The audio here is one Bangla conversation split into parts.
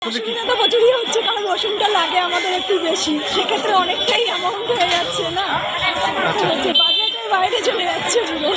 অসুবিধা তো প্রচুরই হচ্ছে, কারণ রসুনটা লাগে আমাদের একটু বেশি, সেক্ষেত্রে অনেকটাই অ্যামাউন্ট হয়ে যাচ্ছে না, হচ্ছে বাজেটের বাইরে চলে যাচ্ছে পুরো।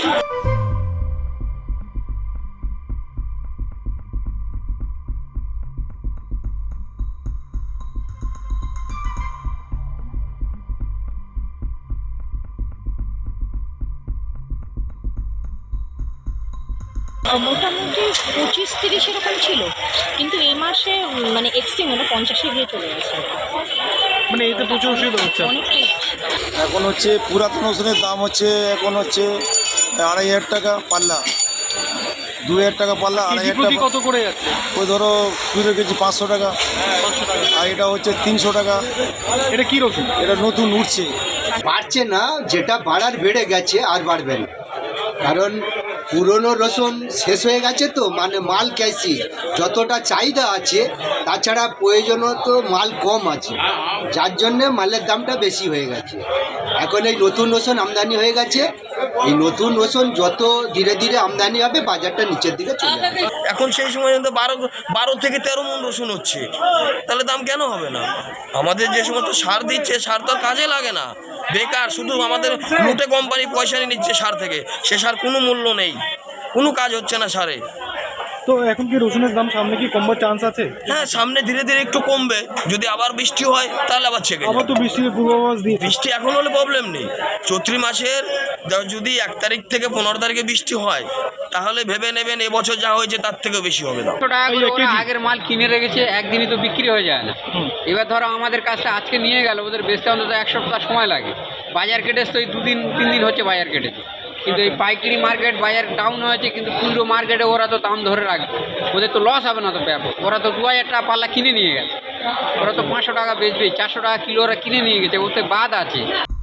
মোটামুটি 25-30 এরকম ছিল, কিন্তু এই মাসে মানে এক্সট্রিম হলো 50-এ গিয়ে চলে গেছে। মানে এতে প্রচুর অসুবিধা হচ্ছে। অনেকটাই এখন হচ্ছে পুরাতন ওষুধের দাম হচ্ছে এখন হচ্ছে 2500 টাকা পাল্লা, 2000 টাকা পাল্লা, কেজি 2500 প্রতি টাকা। কত করে যাচ্ছে? ওই ধরো 2 কেজি 500 টাকা, 500 টাকা। আর এটা হচ্ছে 300 টাকা। এটা কি রসুন? এটা নতুন উঠছে। বাড়ছে না, যেটা বাড়ার বেড়ে গেছে, আর বাড়বে না। কারণ পুরনো রসুন শেষ হয়ে গেছে, তো মানে মাল ক্যাসি যতটা চাহিদা আছে, তাছাড়া প্রয়োজনত মাল কম আছে, যার জন্যে মালের দামটা বেশি হয়ে গেছে। এখন এই নতুন রসুন আমদানি হয়ে গেছে, এই নতুন রসুন যত ধীরে ধীরে আমদানি হবে, বাজারটা নিচের দিকে চলে যাবে। এখন সেই সময় কিন্তু 12 থেকে 13 মণ রসুন হচ্ছে, তাহলে দাম কেন হবে না? আমাদের যে সমস্ত সার দিচ্ছে, সার তো কাজে লাগে না, বেকার, শুধু আমাদের লুটে কোম্পানি পয়সা নিয়ে নিচ্ছে সার থেকে, সে সার কোনো মূল্য নেই, কোনো কাজ হচ্ছে না সারে। তো এখন কি রসুনের দাম সামনে কি কমবার চান্স আছে? হ্যাঁ, সামনে ধীরে ধীরে একটু কমবে, যদি আবার বৃষ্টি হয় তাহলে আবার ছেকে আবার যাবে। তো বৃষ্টির পূর্বাভাস দিয়ে বৃষ্টি এখন হলে প্রবলেম নেই, চৈত্রি মাসের যদি 1 তারিখ থেকে 15 তারিখে বৃষ্টি হয়, তাহলে ভেবে নেবেন এবছর যা হয়েছে তার থেকেও বেশি হবে দাম। 100 টাকা করে ওরা আগের মাল কিনে রেখেছে, একদিনই তো বিক্রি হয়ে যায় না। এবার ধরো আমাদের কাছটা আজকে নিয়ে গেল, ওদের বেচতে অন্তত 1 সপ্তাহ সময় লাগে। বাজার কেটেছে তো এই 2-3 দিন হচ্ছে বাজার কেটেছে, কিন্তু এই পাইকারি মার্কেট বাজার ডাউন হয়েছে, কিন্তু খুচরো মার্কেটে ওরা তো দাম ধরে রাখবে, ওদের তো লস হবে না তো ব্যাপক। ওরা তো 2000 টাকা পাল্লা কিনে নিয়ে গেছে, ওরা তো 500 টাকা বেচবে, 400 টাকা কিলো ওরা কিনে নিয়ে গেছে, ওতে বাদ আছে।